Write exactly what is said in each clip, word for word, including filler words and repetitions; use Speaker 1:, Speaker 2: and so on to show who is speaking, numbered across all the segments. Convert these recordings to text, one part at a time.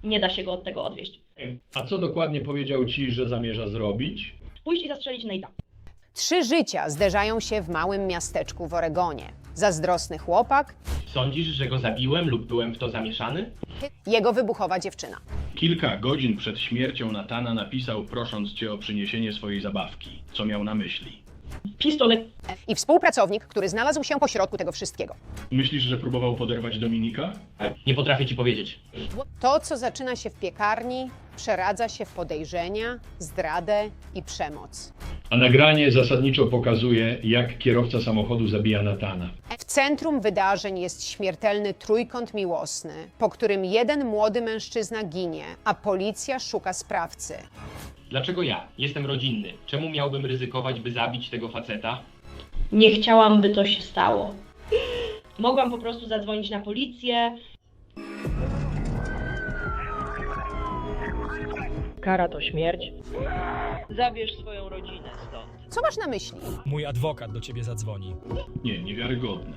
Speaker 1: Nie da się go od tego odwieść.
Speaker 2: A co dokładnie powiedział ci, że zamierza zrobić?
Speaker 1: Pójść i zastrzelić Nate'a.
Speaker 3: Trzy życia zderzają się w małym miasteczku w Oregonie. Zazdrosny chłopak,
Speaker 4: Sądzisz, że go zabiłem lub byłem w to zamieszany?
Speaker 3: jego wybuchowa dziewczyna.
Speaker 2: Kilka godzin przed śmiercią Nathana napisał, prosząc cię o przyniesienie swojej zabawki. Co miał na myśli?
Speaker 1: Pistolet.
Speaker 3: I współpracownik, który znalazł się pośrodku tego wszystkiego.
Speaker 2: Myślisz, że próbował poderwać Dominika?
Speaker 4: Nie potrafię ci powiedzieć.
Speaker 3: To, co zaczyna się w piekarni, przeradza się w podejrzenia, zdradę i przemoc.
Speaker 2: A nagranie zasadniczo pokazuje, jak kierowca samochodu zabija Nathana.
Speaker 3: W centrum wydarzeń jest śmiertelny trójkąt miłosny, po którym jeden młody mężczyzna ginie, a policja szuka sprawcy.
Speaker 4: Dlaczego ja? Jestem rodzinny. Czemu miałbym ryzykować, by zabić tego faceta?
Speaker 1: Nie chciałam, by to się stało. Mogłam po prostu zadzwonić na policję. Kara to śmierć. Zabierz swoją rodzinę stąd.
Speaker 3: Co masz na myśli?
Speaker 5: Mój adwokat do ciebie zadzwoni.
Speaker 2: Nie, niewiarygodne.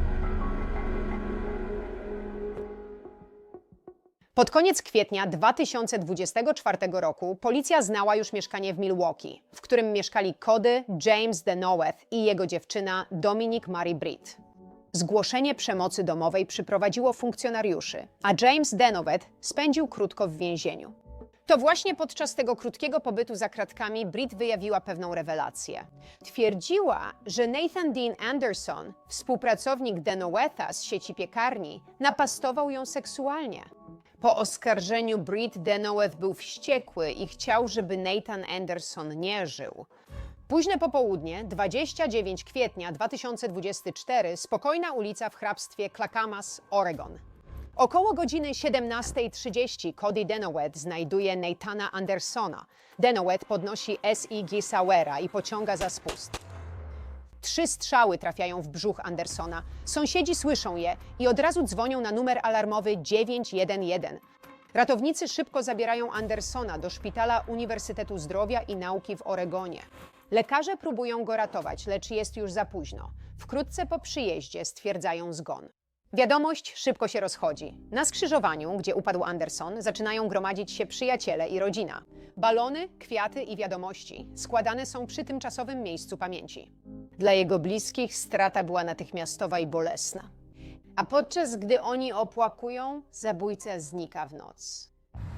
Speaker 3: Pod koniec kwietnia dwa tysiące dwudziestego czwartego roku policja znała już mieszkanie w Milwaukee, w którym mieszkali Cody James Denoweth i jego dziewczyna Dominique Marie Britt. Zgłoszenie przemocy domowej przyprowadziło funkcjonariuszy, a James Denoweth spędził krótko w więzieniu. To właśnie podczas tego krótkiego pobytu za kratkami Britt wyjawiła pewną rewelację. Twierdziła, że Nathan Dean Anderson, współpracownik Denowetha z sieci piekarni, napastował ją seksualnie. Po oskarżeniu Britt Denoweth był wściekły i chciał, żeby Nathan Anderson nie żył. Późne popołudnie, dwudziestego dziewiątego kwietnia dwa tysiące dwudziestego czwartego, spokojna ulica w hrabstwie Clackamas, Oregon. Około godziny siedemnastej trzydzieści Cody Denoweth znajduje Nathana Andersona. Denoweth podnosi S I G Sauera i pociąga za spust. Trzy strzały trafiają w brzuch Andersona. Sąsiedzi słyszą je i od razu dzwonią na numer alarmowy dziewięć jeden jeden. Ratownicy szybko zabierają Andersona do Szpitala Uniwersytetu Zdrowia i Nauki w Oregonie. Lekarze próbują go ratować, lecz jest już za późno. Wkrótce po przyjeździe stwierdzają zgon. Wiadomość szybko się rozchodzi. Na skrzyżowaniu, gdzie upadł Anderson, zaczynają gromadzić się przyjaciele i rodzina. Balony, kwiaty i wiadomości składane są przy tymczasowym miejscu pamięci. Dla jego bliskich strata była natychmiastowa i bolesna. A podczas gdy oni opłakują, zabójca znika w noc.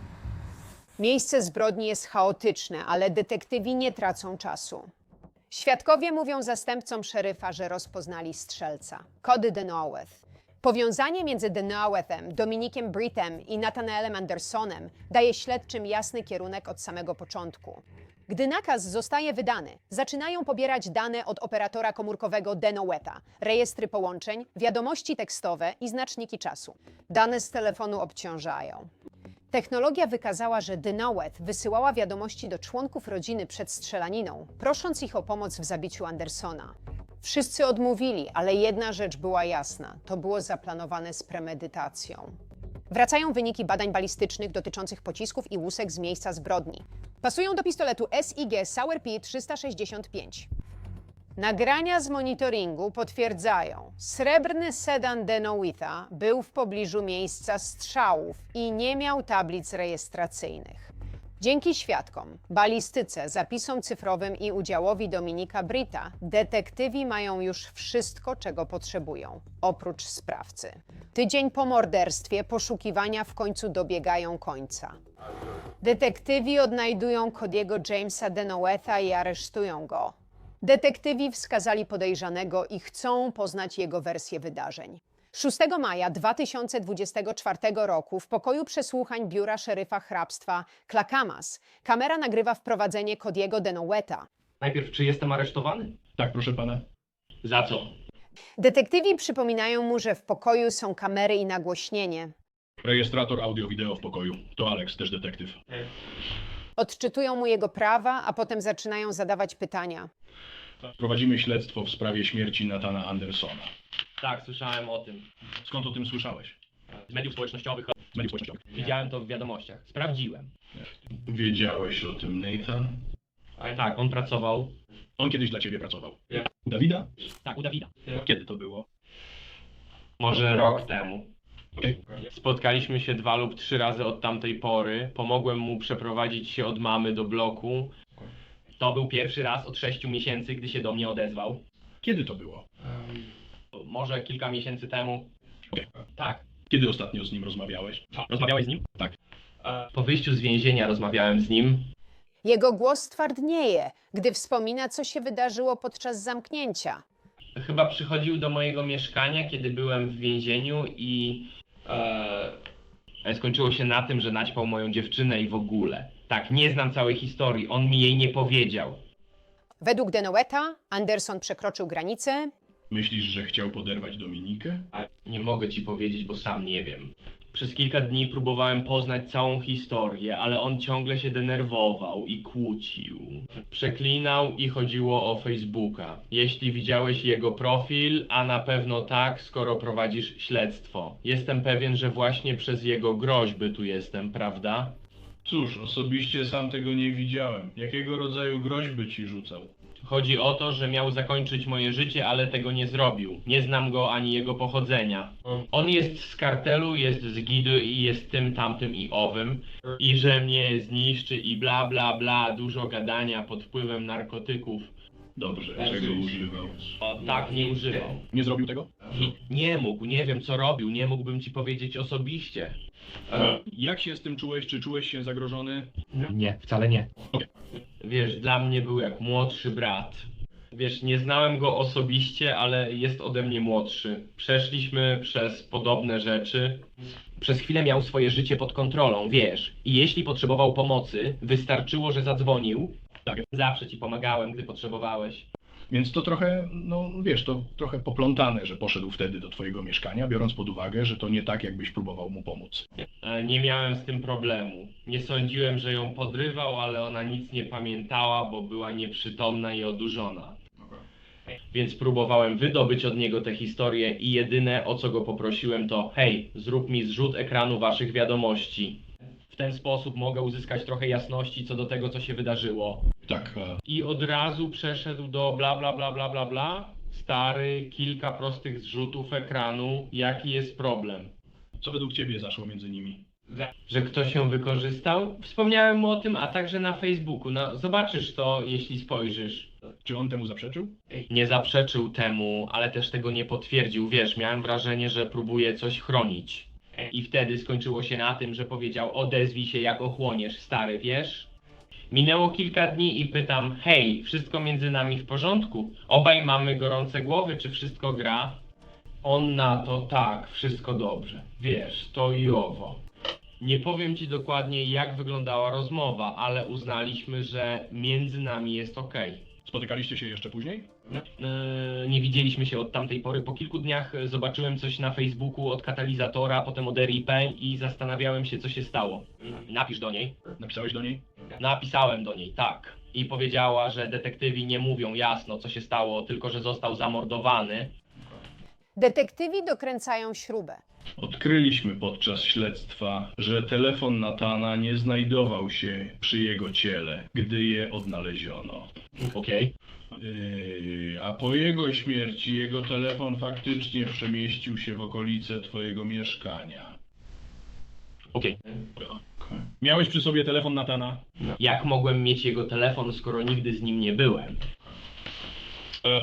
Speaker 3: Miejsce zbrodni jest chaotyczne, ale detektywi nie tracą czasu. Świadkowie mówią zastępcom szeryfa, że rozpoznali strzelca, Cody Denoweth. Powiązanie między Denowethem, Dominikiem Brittem i Nathanaelem Andersonem daje śledczym jasny kierunek od samego początku. Gdy nakaz zostaje wydany, zaczynają pobierać dane od operatora komórkowego Denowetha, rejestry połączeń, wiadomości tekstowe i znaczniki czasu. Dane z telefonu obciążają. Technologia wykazała, że Denoweth wysyłała wiadomości do członków rodziny przed strzelaniną, prosząc ich o pomoc w zabiciu Andersona. Wszyscy odmówili, ale jedna rzecz była jasna. To było zaplanowane z premedytacją. Wracają wyniki badań balistycznych dotyczących pocisków i łusek z miejsca zbrodni. Pasują do pistoletu S I G Sauer P trzysta sześćdziesiąt pięć. Nagrania z monitoringu potwierdzają, srebrny sedan Denowetha był w pobliżu miejsca strzałów i nie miał tablic rejestracyjnych. Dzięki świadkom, balistyce, zapisom cyfrowym i udziałowi Dominika Britta, detektywi mają już wszystko, czego potrzebują, oprócz sprawcy. Tydzień po morderstwie poszukiwania w końcu dobiegają końca. Detektywi odnajdują Cody'ego Jamesa Denowetha i aresztują go. Detektywi wskazali podejrzanego i chcą poznać jego wersję wydarzeń. szóstego maja dwa tysiące dwudziestego czwartego roku w pokoju przesłuchań biura szeryfa hrabstwa Clackamas kamera nagrywa wprowadzenie Cody'ego Denowetha.
Speaker 4: Najpierw, czy jestem aresztowany?
Speaker 2: Tak, proszę pana.
Speaker 4: Za co?
Speaker 3: Detektywi przypominają mu, że w pokoju są kamery i nagłośnienie.
Speaker 2: Rejestrator audio-wideo w pokoju. To Alex, też detektyw.
Speaker 3: Odczytują mu jego prawa, a potem zaczynają zadawać pytania.
Speaker 2: Prowadzimy śledztwo w sprawie śmierci Nathana Andersona.
Speaker 4: Tak, słyszałem o tym.
Speaker 2: Skąd o tym słyszałeś?
Speaker 4: Z mediów społecznościowych.
Speaker 2: Z mediów społecznościowych.
Speaker 4: Widziałem to w wiadomościach. Sprawdziłem.
Speaker 2: Wiedziałeś o tym, Nathan?
Speaker 4: Ale tak, on pracował.
Speaker 2: On kiedyś dla ciebie pracował.
Speaker 4: Ja.
Speaker 2: U Dawida?
Speaker 4: Tak, u Dawida.
Speaker 2: Kiedy to było?
Speaker 4: Może rok temu. Spotkaliśmy się dwa lub trzy razy od tamtej pory. Pomogłem mu przeprowadzić się od mamy do bloku. To był pierwszy raz od sześciu miesięcy, gdy się do mnie odezwał.
Speaker 2: Kiedy to było?
Speaker 4: Może kilka miesięcy temu.
Speaker 2: Okej.
Speaker 4: Tak.
Speaker 2: Kiedy ostatnio z nim rozmawiałeś?
Speaker 4: Rozmawiałeś z nim?
Speaker 2: Tak.
Speaker 4: Po wyjściu z więzienia rozmawiałem z nim.
Speaker 3: Jego głos twardnieje, gdy wspomina, co się wydarzyło podczas zamknięcia.
Speaker 4: Chyba przychodził do mojego mieszkania, kiedy byłem w więzieniu i e, skończyło się na tym, że naćpał moją dziewczynę i w ogóle. Tak, nie znam całej historii, on mi jej nie powiedział.
Speaker 3: Według Denoweta Anderson przekroczył granicę
Speaker 2: Myślisz, że chciał poderwać Dominikę?
Speaker 4: A nie mogę ci powiedzieć, bo sam nie wiem. Przez kilka dni próbowałem poznać całą historię, ale on ciągle się denerwował i kłócił. Przeklinał i chodziło o Facebooka. Jeśli widziałeś jego profil, a na pewno tak, skoro prowadzisz śledztwo. Jestem pewien, że właśnie przez jego groźby tu jestem, prawda?
Speaker 2: Cóż, osobiście sam tego nie widziałem. Jakiego rodzaju groźby ci rzucał?
Speaker 4: Chodzi o to, że miał zakończyć moje życie, ale tego nie zrobił. Nie znam go ani jego pochodzenia. On jest z kartelu, jest z gidu i jest tym, tamtym i owym. I że mnie zniszczy i bla bla bla, dużo gadania pod wpływem narkotyków.
Speaker 2: Dobrze, czego używał?
Speaker 4: O, tak, nie używał.
Speaker 2: Nie zrobił tego?
Speaker 4: I nie mógł, nie wiem co robił, nie mógłbym ci powiedzieć osobiście.
Speaker 2: E, jak się z tym czułeś? Czy czułeś się zagrożony?
Speaker 4: Nie, wcale nie.
Speaker 2: Okej.
Speaker 4: Wiesz, dla mnie był jak młodszy brat. Wiesz, nie znałem go osobiście, ale jest ode mnie młodszy. Przeszliśmy przez podobne rzeczy. Przez chwilę miał swoje życie pod kontrolą, wiesz. I jeśli potrzebował pomocy, wystarczyło, że zadzwonił.
Speaker 2: Tak.
Speaker 4: Zawsze ci pomagałem, gdy potrzebowałeś.
Speaker 2: Więc to trochę, no wiesz, to trochę poplątane, że poszedł wtedy do twojego mieszkania, biorąc pod uwagę, że to nie tak, jakbyś próbował mu pomóc.
Speaker 4: E, Nie miałem z tym problemu. Nie sądziłem, że ją podrywał, ale ona nic nie pamiętała, bo była nieprzytomna i odurzona. Więc próbowałem wydobyć od niego tę historię i jedyne, o co go poprosiłem, to hej, zrób mi zrzut ekranu waszych wiadomości. W ten sposób mogę uzyskać trochę jasności co do tego, co się wydarzyło.
Speaker 2: Tak, e,
Speaker 4: I od razu przeszedł do bla bla bla bla bla bla. Stary, kilka prostych zrzutów ekranu. Jaki jest problem?
Speaker 2: co według ciebie zaszło między nimi?
Speaker 4: Że ktoś ją wykorzystał? Wspomniałem mu o tym, a także na Facebooku. No, zobaczysz to, jeśli spojrzysz.
Speaker 2: Czy on temu zaprzeczył?
Speaker 4: Nie zaprzeczył temu, ale też tego nie potwierdził. Wiesz, miałem wrażenie, że próbuje coś chronić. I wtedy skończyło się na tym, że powiedział: odezwij się, jak ochłoniesz, stary, wiesz? Minęło kilka dni i pytam: hej, wszystko między nami w porządku? Obaj mamy gorące głowy, czy wszystko gra? On na to: tak, wszystko dobrze. Wiesz, to i owo. Nie powiem ci dokładnie, jak wyglądała rozmowa, ale uznaliśmy, że między nami jest okej.
Speaker 2: Spotykaliście się jeszcze później?
Speaker 4: Eee, nie widzieliśmy się od tamtej pory. Po kilku dniach e, zobaczyłem coś na Facebooku od katalizatora, potem od R I P i zastanawiałem się, co się stało. Napisz do niej.
Speaker 2: Napisałeś do niej?
Speaker 4: Napisałem do niej, tak. I powiedziała, że detektywi nie mówią jasno, co się stało, tylko że został zamordowany.
Speaker 3: Detektywi dokręcają śrubę.
Speaker 2: Odkryliśmy podczas śledztwa, że telefon Natana nie znajdował się przy jego ciele, gdy je odnaleziono.
Speaker 4: Okej.
Speaker 2: Yy, a po jego śmierci jego telefon faktycznie przemieścił się w okolice twojego mieszkania.
Speaker 4: Okej.
Speaker 2: Okay. Miałeś przy sobie telefon Natana?
Speaker 4: Jak mogłem mieć jego telefon, skoro nigdy z nim nie byłem?
Speaker 2: E.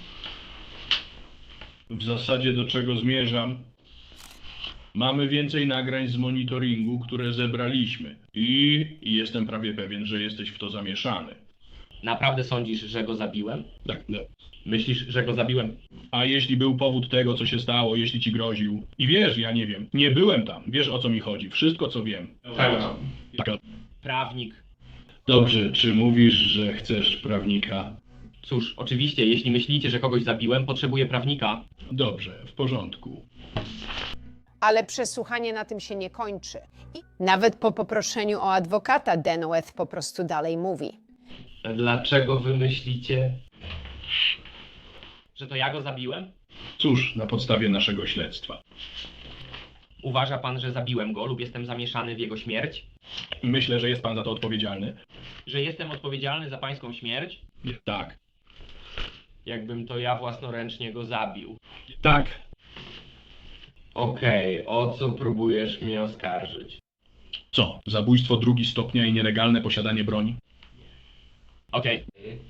Speaker 2: W zasadzie do czego zmierzam? Mamy więcej nagrań z monitoringu, które zebraliśmy. I jestem prawie pewien, że jesteś w to zamieszany.
Speaker 4: Naprawdę sądzisz, że go zabiłem?
Speaker 2: Tak, tak.
Speaker 4: Myślisz, że go zabiłem?
Speaker 2: A jeśli był powód tego, co się stało, jeśli ci groził? I wiesz, ja nie wiem. Nie byłem tam. Wiesz, o co mi chodzi. Wszystko, co wiem. Tak.
Speaker 4: Prawnik.
Speaker 2: Dobrze, czy mówisz, że chcesz prawnika?
Speaker 4: Cóż, oczywiście, jeśli myślicie, że kogoś zabiłem, potrzebuję prawnika.
Speaker 2: Dobrze, w porządku.
Speaker 3: Ale przesłuchanie na tym się nie kończy. I nawet po poproszeniu o adwokata Denoweth po prostu dalej mówi.
Speaker 4: Dlaczego wy myślicie, że to ja go zabiłem?
Speaker 2: Cóż, na podstawie naszego śledztwa.
Speaker 4: Uważa pan, że zabiłem go lub jestem zamieszany w jego śmierć?
Speaker 2: Myślę, że jest pan za to odpowiedzialny.
Speaker 4: Że jestem odpowiedzialny za pańską śmierć?
Speaker 2: Tak.
Speaker 4: Jakbym to ja własnoręcznie go zabił.
Speaker 2: Tak.
Speaker 4: Okej, o co próbujesz mnie oskarżyć?
Speaker 2: Co? Zabójstwo drugi stopnia i nielegalne posiadanie broni?
Speaker 4: Okej.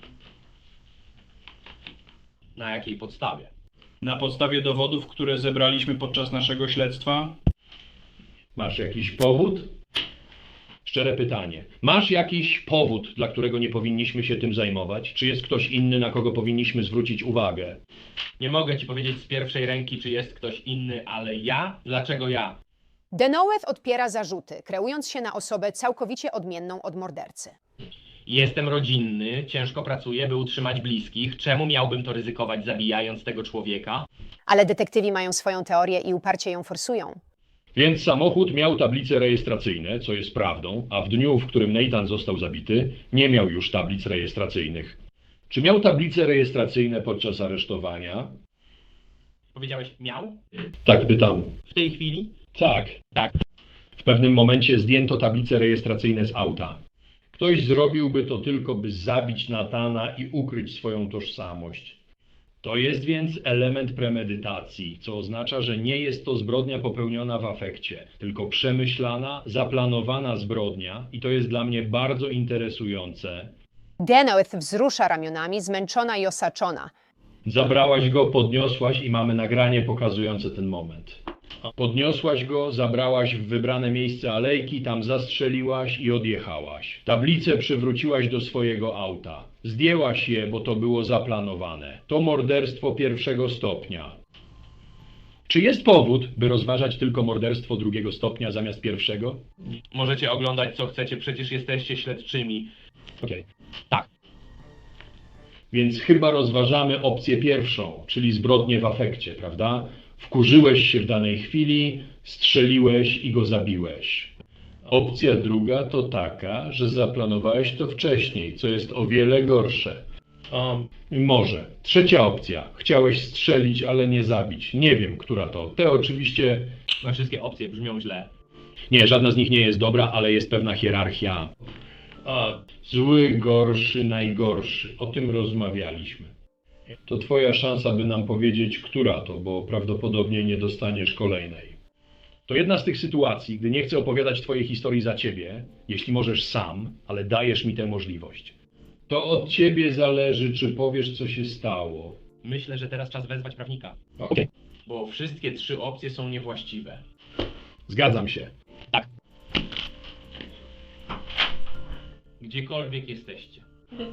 Speaker 4: Na jakiej podstawie?
Speaker 2: Na podstawie dowodów, które zebraliśmy podczas naszego śledztwa?
Speaker 6: Masz jakiś powód? Szczere pytanie. Masz jakiś powód, dla którego nie powinniśmy się tym zajmować? Czy jest ktoś inny, na kogo powinniśmy zwrócić uwagę?
Speaker 4: Nie mogę ci powiedzieć z pierwszej ręki, czy jest ktoś inny, ale ja? Dlaczego ja?
Speaker 3: Denoweth odpiera zarzuty, kreując się na osobę całkowicie odmienną od mordercy.
Speaker 4: Jestem rodzinny, ciężko pracuję, by utrzymać bliskich. Czemu miałbym to ryzykować, zabijając tego człowieka?
Speaker 3: Ale detektywi mają swoją teorię i uparcie ją forsują.
Speaker 6: Więc samochód miał tablice rejestracyjne, co jest prawdą, a w dniu, w którym Nathan został zabity, nie miał już tablic rejestracyjnych. Czy miał tablice rejestracyjne podczas aresztowania?
Speaker 4: Powiedziałeś miał?
Speaker 6: Tak pytam.
Speaker 4: W tej chwili?
Speaker 6: Tak.
Speaker 4: Tak.
Speaker 6: W pewnym momencie zdjęto tablice rejestracyjne z auta. Ktoś zrobiłby to tylko, by zabić Nathana i ukryć swoją tożsamość. To jest więc element premedytacji, co oznacza, że nie jest to zbrodnia popełniona w afekcie, tylko przemyślana, zaplanowana zbrodnia i to jest dla mnie bardzo interesujące.
Speaker 3: Denoweth wzrusza ramionami, zmęczona i osaczona.
Speaker 6: Zabrałaś go, podniosłaś i mamy nagranie pokazujące ten moment. Podniosłaś go, zabrałaś w wybrane miejsce alejki, tam zastrzeliłaś i odjechałaś. Tablicę przywróciłaś do swojego auta. Zdjęłaś je, bo to było zaplanowane. To morderstwo pierwszego stopnia. Czy jest powód, by rozważać tylko morderstwo drugiego stopnia zamiast pierwszego?
Speaker 4: Możecie oglądać co chcecie, przecież jesteście śledczymi.
Speaker 6: Okej.
Speaker 4: Tak.
Speaker 6: Więc chyba rozważamy opcję pierwszą, czyli zbrodnię w afekcie, prawda? Wkurzyłeś się w danej chwili, strzeliłeś i go zabiłeś. Opcja druga to taka, że zaplanowałeś to wcześniej, co jest o wiele gorsze. Um, może. Trzecia opcja. Chciałeś strzelić, ale nie zabić. Nie wiem, która to. Te oczywiście...
Speaker 4: No, wszystkie opcje brzmią źle.
Speaker 6: Nie, żadna z nich nie jest dobra, ale jest pewna hierarchia. A, zły, gorszy, najgorszy. O tym rozmawialiśmy. To twoja szansa, by nam powiedzieć, która to, bo prawdopodobnie nie dostaniesz kolejnej. To jedna z tych sytuacji, gdy nie chcę opowiadać twojej historii za ciebie, jeśli możesz sam, ale dajesz mi tę możliwość. To od ciebie zależy, czy powiesz, co się stało.
Speaker 4: Myślę, że teraz czas wezwać prawnika,
Speaker 6: Okej,
Speaker 4: bo wszystkie trzy opcje są niewłaściwe.
Speaker 6: zgadzam się.
Speaker 4: Gdziekolwiek jesteście.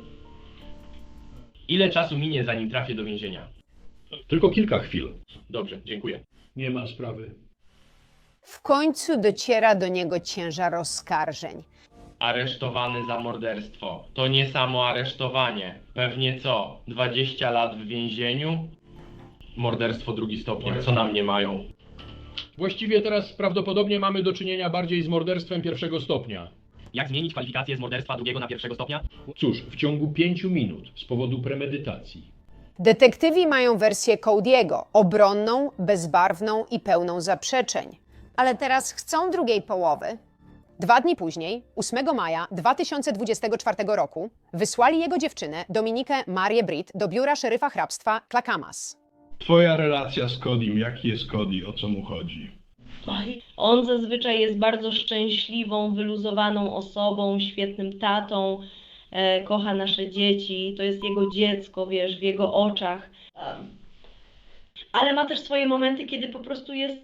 Speaker 4: Ile czasu minie, zanim trafię do więzienia?
Speaker 6: Tylko kilka chwil.
Speaker 4: Dobrze, dziękuję.
Speaker 6: Nie ma sprawy.
Speaker 3: W końcu dociera do niego ciężar oskarżeń.
Speaker 4: Aresztowany za morderstwo. To nie samo aresztowanie. Pewnie co? dwadzieścia lat w więzieniu? Morderstwo drugi stopień. Co na mnie mają?
Speaker 6: Właściwie teraz prawdopodobnie mamy do czynienia bardziej z morderstwem pierwszego stopnia.
Speaker 4: Jak zmienić kwalifikację z morderstwa drugiego na pierwszego stopnia?
Speaker 6: Cóż, w ciągu pięciu minut z powodu premedytacji.
Speaker 3: Detektywi mają wersję Cody'ego, obronną, bezbarwną i pełną zaprzeczeń. Ale teraz chcą drugiej połowy. Dwa dni później, ósmego maja dwa tysiące dwudziestego czwartego roku, wysłali jego dziewczynę, Dominikę Marię Britt, do biura szeryfa hrabstwa Clackamas.
Speaker 2: Twoja relacja z Codym, jaki jest Cody, o co mu chodzi?
Speaker 1: Oj, on zazwyczaj jest bardzo szczęśliwą, wyluzowaną osobą, świetnym tatą, e, kocha nasze dzieci, to jest jego dziecko, wiesz, w jego oczach. Em, ale ma też swoje momenty, kiedy po prostu jest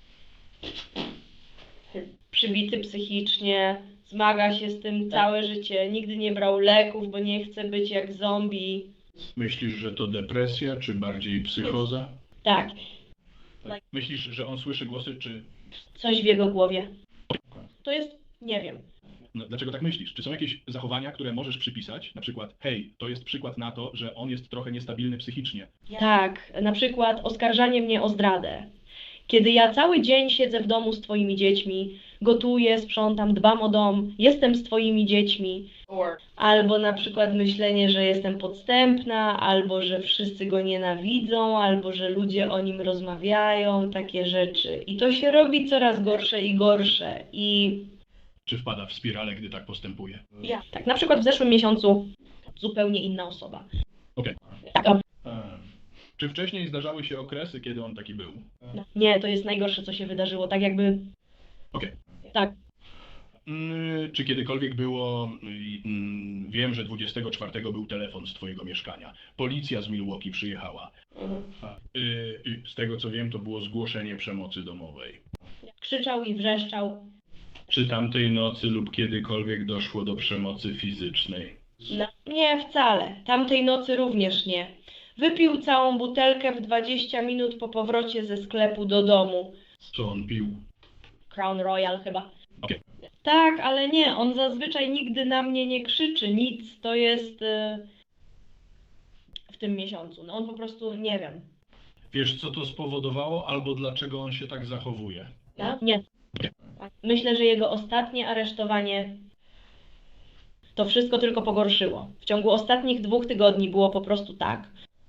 Speaker 1: przybity psychicznie, zmaga się z tym całe życie, nigdy nie brał leków, bo nie chce być jak zombie.
Speaker 2: Myślisz, że to depresja, czy bardziej psychoza?
Speaker 1: Tak,
Speaker 2: Myślisz, że on słyszy głosy, czy...
Speaker 1: coś w jego głowie. To jest, nie wiem.
Speaker 2: No, dlaczego tak myślisz? Czy są jakieś zachowania, które możesz przypisać? Na przykład, hej, to jest przykład na to, że on jest trochę niestabilny psychicznie.
Speaker 1: Tak, na przykład oskarżanie mnie o zdradę. Kiedy ja cały dzień siedzę w domu z twoimi dziećmi, gotuję, sprzątam, dbam o dom, jestem z twoimi dziećmi. Albo na przykład myślenie, że jestem podstępna, albo że wszyscy go nienawidzą, albo że ludzie o nim rozmawiają, takie rzeczy. I to się robi coraz gorsze i gorsze. I
Speaker 2: Czy wpada w spiralę, gdy tak postępuje?
Speaker 1: ja, tak, na przykład w zeszłym miesiącu zupełnie inna osoba.
Speaker 2: Okej.
Speaker 1: Tak, o,
Speaker 2: Ehm, Czy wcześniej zdarzały się okresy, kiedy on taki był?
Speaker 1: Nie, to jest najgorsze, co się wydarzyło. Tak jakby...
Speaker 2: Okej.
Speaker 1: Tak.
Speaker 2: Mm, Czy kiedykolwiek było... mm, Wiem, że dwudziestego czwartego był telefon z twojego mieszkania. Policja z Milwaukee przyjechała. Y, y, Z tego co wiem, to było zgłoszenie przemocy domowej.
Speaker 1: Krzyczał i wrzeszczał.
Speaker 2: Czy tamtej nocy lub kiedykolwiek doszło do przemocy fizycznej?
Speaker 1: No, nie, wcale. Tamtej nocy również nie. Wypił całą butelkę w dwadzieścia minut po powrocie ze sklepu do domu.
Speaker 2: Co on pił?
Speaker 1: Crown Royal chyba.
Speaker 2: Okej.
Speaker 1: Tak, ale nie, on zazwyczaj nigdy na mnie nie krzyczy, nic, to jest y, w tym miesiącu. No on po prostu, nie wiem.
Speaker 2: Wiesz, co to spowodowało, albo dlaczego on się tak zachowuje?
Speaker 1: Nie. Myślę, że jego ostatnie aresztowanie to wszystko tylko pogorszyło. W ciągu ostatnich dwóch tygodni było po prostu tak.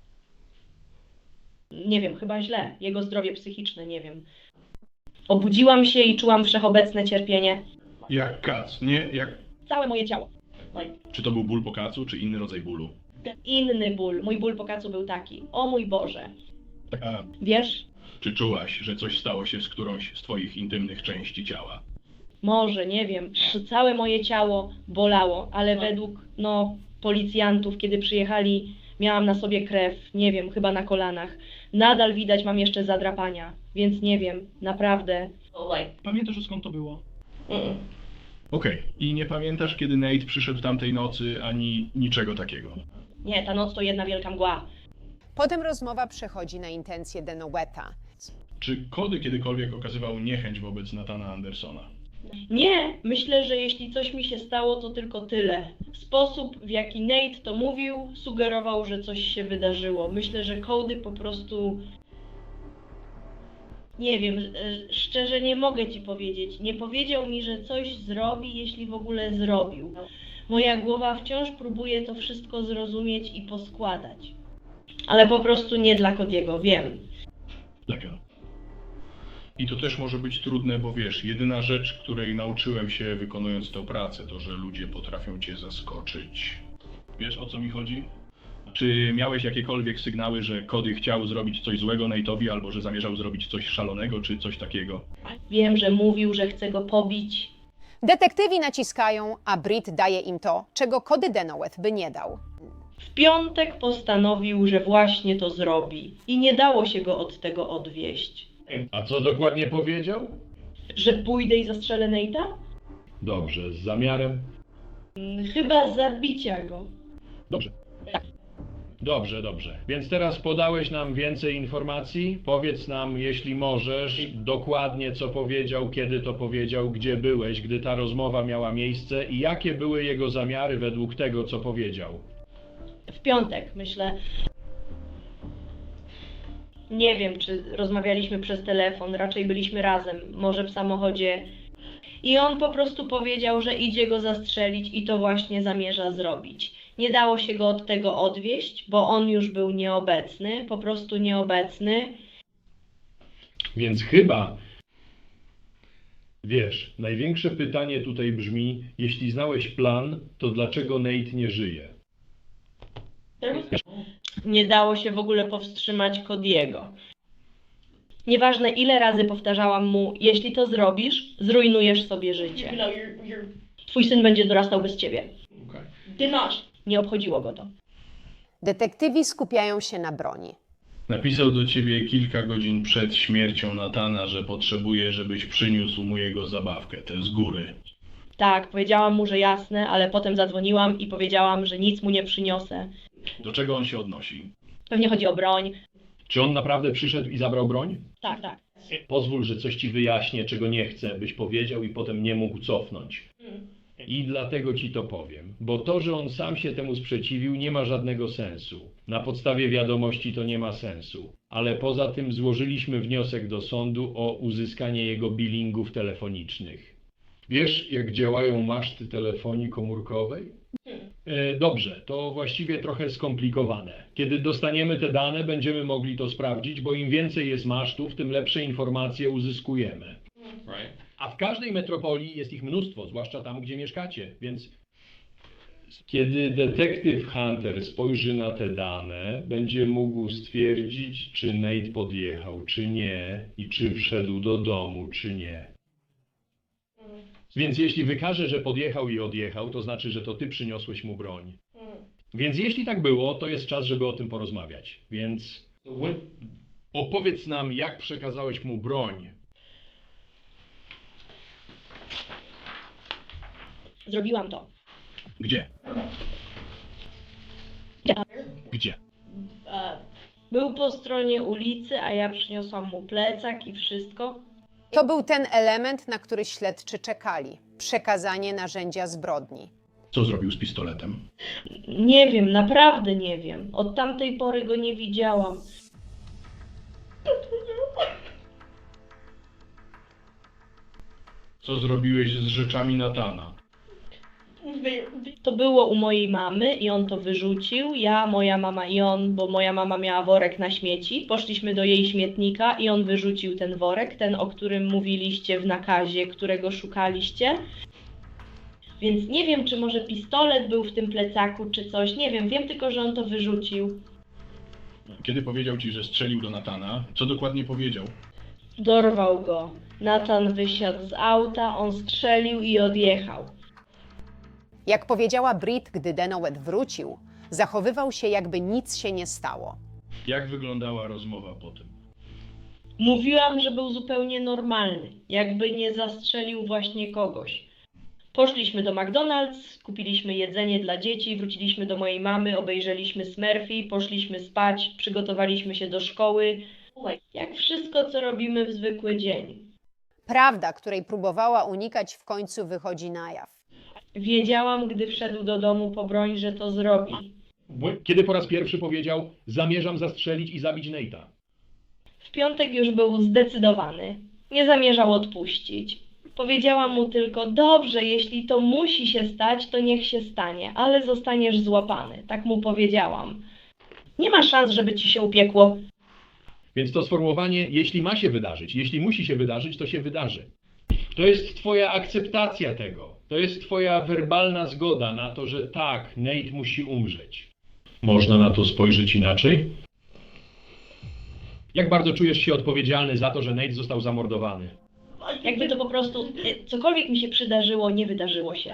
Speaker 1: Nie wiem, chyba źle. Jego zdrowie psychiczne, nie wiem. Obudziłam się i czułam wszechobecne cierpienie.
Speaker 2: Jak kac, nie? Jak...
Speaker 1: Całe moje ciało.
Speaker 2: Czy to był ból po kacu, czy inny rodzaj bólu?
Speaker 1: Inny ból. Mój ból po kacu był taki. O mój Boże.
Speaker 2: A
Speaker 1: Wiesz?
Speaker 2: czy czułaś, że coś stało się z którąś z twoich intymnych części ciała?
Speaker 1: Może, nie wiem. To całe moje ciało bolało, ale według, no, policjantów, kiedy przyjechali, miałam na sobie krew, nie wiem, chyba na kolanach. Nadal widać mam jeszcze zadrapania, więc nie wiem, naprawdę.
Speaker 2: Pamiętasz, skąd to było?
Speaker 1: Mm.
Speaker 2: Okej. I nie pamiętasz, kiedy Nate przyszedł tamtej nocy, ani niczego takiego?
Speaker 1: Nie, ta noc to jedna wielka mgła.
Speaker 3: Potem rozmowa przechodzi na intencje Denoweta.
Speaker 2: Czy Cody kiedykolwiek okazywał niechęć wobec Nathana Andersona?
Speaker 1: Nie, myślę, że jeśli coś mi się stało, to tylko tyle. Sposób, w jaki Nate to mówił, sugerował, że coś się wydarzyło. Myślę, że Cody po prostu... Nie wiem, e, szczerze nie mogę ci powiedzieć. Nie powiedział mi, że coś zrobi, jeśli w ogóle zrobił. Moja głowa wciąż próbuje to wszystko zrozumieć i poskładać. Ale po prostu nie dla Cody'ego, wiem.
Speaker 2: Taka. I to też może być trudne, bo wiesz, jedyna rzecz, której nauczyłem się wykonując tę pracę, to że ludzie potrafią cię zaskoczyć. Wiesz, o co mi chodzi? Czy miałeś jakiekolwiek sygnały, że Cody chciał zrobić coś złego Nate'owi, albo że zamierzał zrobić coś szalonego, czy coś takiego?
Speaker 1: Wiem, że mówił, że chce go pobić.
Speaker 3: Detektywi naciskają, a Britt daje im to, czego Cody Denoweth by nie dał.
Speaker 1: W piątek postanowił, że właśnie to zrobi i nie dało się go od tego odwieść.
Speaker 6: A co dokładnie powiedział?
Speaker 1: Że pójdę i zastrzelę Nate'a?
Speaker 6: Dobrze, z zamiarem?
Speaker 1: Mm, Chyba zabicia go.
Speaker 6: Dobrze. Dobrze, dobrze. Więc teraz podałeś nam więcej informacji. Powiedz nam, jeśli możesz, dokładnie co powiedział, kiedy to powiedział, gdzie byłeś, gdy ta rozmowa miała miejsce i jakie były jego zamiary według tego, co powiedział.
Speaker 1: W piątek, myślę. Nie wiem, czy rozmawialiśmy przez telefon, raczej byliśmy razem, może w samochodzie. I on po prostu powiedział, że idzie go zastrzelić i to właśnie zamierza zrobić. Nie dało się go od tego odwieść, bo on już był nieobecny, po prostu nieobecny.
Speaker 6: Więc chyba, wiesz, największe pytanie tutaj brzmi, jeśli znałeś plan, to dlaczego Nate nie żyje?
Speaker 1: Nie dało się w ogóle powstrzymać Cody'ego. Nieważne ile razy powtarzałam mu, jeśli to zrobisz, zrujnujesz sobie życie. Twój syn będzie dorastał bez ciebie. Nie obchodziło go to.
Speaker 3: Detektywi skupiają się na broni.
Speaker 2: Napisał do ciebie kilka godzin przed śmiercią Nathana, że potrzebuje, żebyś przyniósł mu jego zabawkę, tę z góry.
Speaker 1: Tak, powiedziałam mu, że jasne, ale potem zadzwoniłam i powiedziałam, że nic mu nie przyniosę.
Speaker 2: Do czego on się odnosi?
Speaker 1: Pewnie chodzi o broń.
Speaker 6: Czy on naprawdę przyszedł i zabrał broń?
Speaker 1: Tak, tak.
Speaker 6: Pozwól, że coś ci wyjaśnię, czego nie chcę, byś powiedział i potem nie mógł cofnąć. I dlatego ci to powiem, bo to, że on sam się temu sprzeciwił, nie ma żadnego sensu. Na podstawie wiadomości to nie ma sensu. Ale poza tym złożyliśmy wniosek do sądu o uzyskanie jego billingów telefonicznych. Wiesz, jak działają maszty telefonii komórkowej? E, dobrze, to właściwie trochę skomplikowane. Kiedy dostaniemy te dane, będziemy mogli to sprawdzić, bo im więcej jest masztów, tym lepsze informacje uzyskujemy. A w każdej metropolii jest ich mnóstwo, zwłaszcza tam, gdzie mieszkacie, więc Kiedy detektyw Hunter spojrzy na te dane, będzie mógł stwierdzić, czy Nate podjechał, czy nie, i czy wszedł do domu, czy nie. Więc jeśli wykaże, że podjechał i odjechał, to znaczy, że to ty przyniosłeś mu broń. Więc jeśli tak było, to jest czas, żeby o tym porozmawiać. Więc opowiedz nam, jak przekazałeś mu broń.
Speaker 1: Zrobiłam to.
Speaker 2: Gdzie? Gdzie?
Speaker 1: E, Był po stronie ulicy, a ja przyniosłam mu plecak i wszystko.
Speaker 3: To był ten element, na który śledczy czekali. Przekazanie narzędzia zbrodni.
Speaker 2: Co zrobił z pistoletem?
Speaker 1: Nie wiem, naprawdę nie wiem. Od tamtej pory go nie widziałam.
Speaker 2: Co zrobiłeś z rzeczami Natana?
Speaker 1: To było u mojej mamy i on to wyrzucił. Ja, moja mama i on, bo moja mama miała worek na śmieci. Poszliśmy do jej śmietnika i on wyrzucił ten worek, ten, o którym mówiliście w nakazie, którego szukaliście. Więc nie wiem, czy może pistolet był w tym plecaku, czy coś. Nie wiem, wiem tylko, że on to wyrzucił.
Speaker 2: Kiedy powiedział ci, że strzelił do Natana, co dokładnie powiedział?
Speaker 1: Dorwał go. Nathan wysiadł z auta, on strzelił i odjechał.
Speaker 3: Jak powiedziała Britt, gdy Denoweth wrócił, zachowywał się, jakby nic się nie stało.
Speaker 2: Jak wyglądała rozmowa po tym?
Speaker 1: Mówiłam, że był zupełnie normalny, jakby nie zastrzelił właśnie kogoś. Poszliśmy do McDonald's, kupiliśmy jedzenie dla dzieci, wróciliśmy do mojej mamy, obejrzeliśmy Smurfy, poszliśmy spać, przygotowaliśmy się do szkoły. Jak wszystko, co robimy w zwykły dzień.
Speaker 3: Prawda, której próbowała unikać, w końcu wychodzi na jaw.
Speaker 1: Wiedziałam, gdy wszedł do domu po broń, że to zrobi.
Speaker 6: Kiedy po raz pierwszy powiedział, zamierzam zastrzelić i zabić Nate'a?
Speaker 1: W piątek już był zdecydowany. Nie zamierzał odpuścić. Powiedziałam mu tylko, dobrze, jeśli to musi się stać, to niech się stanie, ale zostaniesz złapany. Tak mu powiedziałam. Nie ma szans, żeby ci się upiekło.
Speaker 6: Więc to sformułowanie, jeśli ma się wydarzyć, jeśli musi się wydarzyć, to się wydarzy. To jest twoja akceptacja tego. To jest twoja werbalna zgoda na to, że tak, Nate musi umrzeć. Można na to spojrzeć inaczej? Jak bardzo czujesz się odpowiedzialny za to, że Nate został zamordowany?
Speaker 1: Jakby to po prostu, e, cokolwiek mi się przydarzyło, nie wydarzyło się.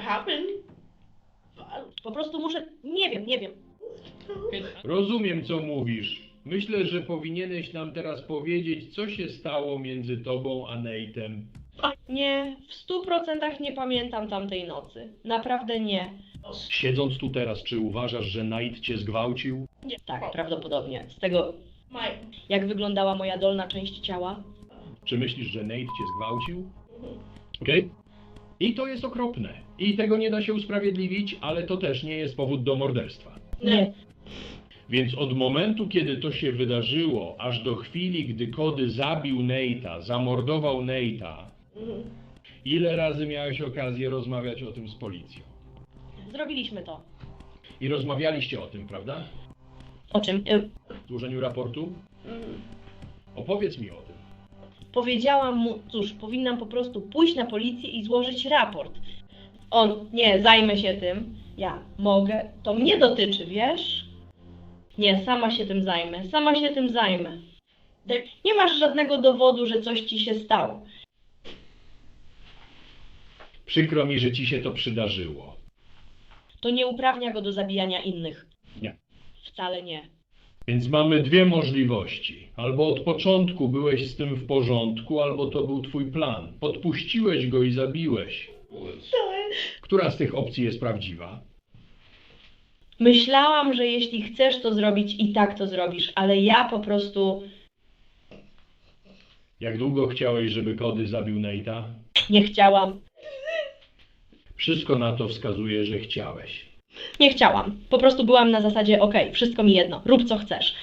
Speaker 1: Po prostu muszę, nie wiem, nie wiem.
Speaker 6: Rozumiem, co mówisz. Myślę, że powinieneś nam teraz powiedzieć, co się stało między tobą a Nate'em.
Speaker 1: Nie, w stu procentach nie pamiętam tamtej nocy. Naprawdę nie.
Speaker 6: Siedząc tu teraz, czy uważasz, że Nate cię zgwałcił?
Speaker 1: Tak, prawdopodobnie. Z tego, jak wyglądała moja dolna część ciała.
Speaker 6: Czy myślisz, że Nate cię zgwałcił? Okej? I to jest okropne. I tego nie da się usprawiedliwić, ale to też nie jest powód do morderstwa.
Speaker 1: Nie.
Speaker 6: Więc od momentu, kiedy to się wydarzyło, aż do chwili, gdy Cody zabił Nate'a, zamordował Nate'a, ile razy miałeś okazję rozmawiać o tym z policją?
Speaker 1: Zrobiliśmy to.
Speaker 6: I rozmawialiście o tym, prawda?
Speaker 1: O czym? E,
Speaker 6: W złożeniu raportu? Opowiedz mi o tym.
Speaker 1: Powiedziałam mu, cóż, powinnam po prostu pójść na policję i złożyć raport. On, nie, zajmę się tym. Ja mogę, to mnie dotyczy, wiesz? Nie, sama się tym zajmę, sama się tym zajmę. Nie masz żadnego dowodu, że coś ci się stało.
Speaker 6: Przykro mi, że ci się to przydarzyło.
Speaker 1: To nie uprawnia go do zabijania innych.
Speaker 6: Nie.
Speaker 1: Wcale nie.
Speaker 6: Więc mamy dwie możliwości. Albo od początku byłeś z tym w porządku, albo to był twój plan. Podpuściłeś go i zabiłeś. Która z tych opcji jest prawdziwa?
Speaker 1: Myślałam, że jeśli chcesz to zrobić, i tak to zrobisz, ale ja po prostu
Speaker 6: Jak długo chciałeś, żeby Cody zabił Nate'a?
Speaker 1: nie chciałam.
Speaker 6: Wszystko na to wskazuje, że chciałeś.
Speaker 1: Nie chciałam. Po prostu byłam na zasadzie, okej, wszystko mi jedno, rób co chcesz.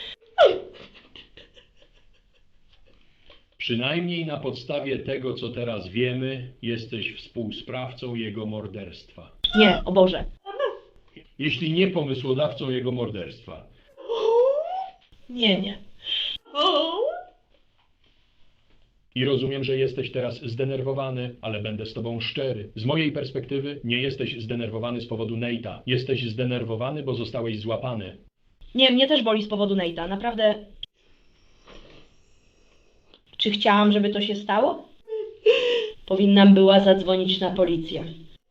Speaker 6: Przynajmniej na podstawie tego, co teraz wiemy, jesteś współsprawcą jego morderstwa.
Speaker 1: Nie, o Boże.
Speaker 6: Jeśli nie pomysłodawcą jego morderstwa.
Speaker 1: Nie, nie.
Speaker 6: I rozumiem, że jesteś teraz zdenerwowany, ale będę z tobą szczery. Z mojej perspektywy nie jesteś zdenerwowany z powodu Nate'a. Jesteś zdenerwowany, bo zostałeś złapany.
Speaker 1: Nie, mnie też boli z powodu Nate'a. Naprawdę... Czy chciałam, żeby to się stało? Powinnam była zadzwonić na policję.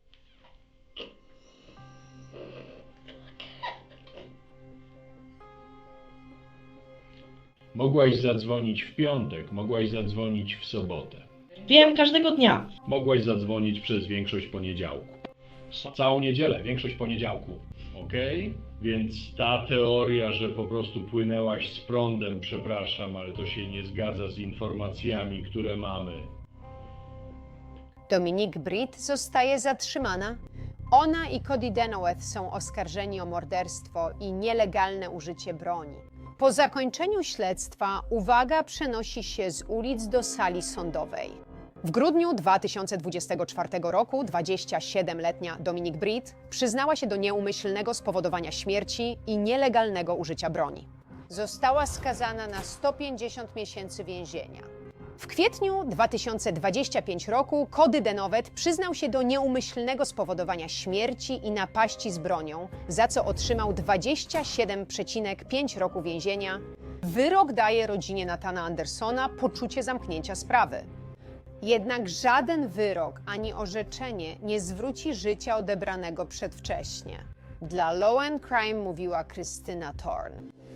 Speaker 6: Mogłaś zadzwonić w piątek, mogłaś zadzwonić w sobotę.
Speaker 1: Wiem, każdego dnia.
Speaker 6: Mogłaś zadzwonić przez większość poniedziałku. Całą niedzielę, większość poniedziałku. Okej? Więc ta teoria, że po prostu płynęłaś z prądem, przepraszam, ale to się nie zgadza z informacjami, które mamy.
Speaker 3: Dominique Britt zostaje zatrzymana. Ona i Cody Denoweth są oskarżeni o morderstwo i nielegalne użycie broni. Po zakończeniu śledztwa uwaga przenosi się z ulic do sali sądowej. W grudniu dwa tysiące dwudziestego czwartego roku dwudziestosiedmioletnia Dominique Britt przyznała się do nieumyślnego spowodowania śmierci i nielegalnego użycia broni. Została skazana na sto pięćdziesiąt miesięcy więzienia. W kwietniu dwa tysiące dwudziestego piątego roku Cody Denoweth przyznał się do nieumyślnego spowodowania śmierci i napaści z bronią, za co otrzymał dwadzieścia siedem przecinek pięć roku więzienia. Wyrok daje rodzinie Nathana Andersona poczucie zamknięcia sprawy. Jednak żaden wyrok ani orzeczenie nie zwróci życia odebranego przedwcześnie. Dla Law and Crime mówiła Krystyna Thorne.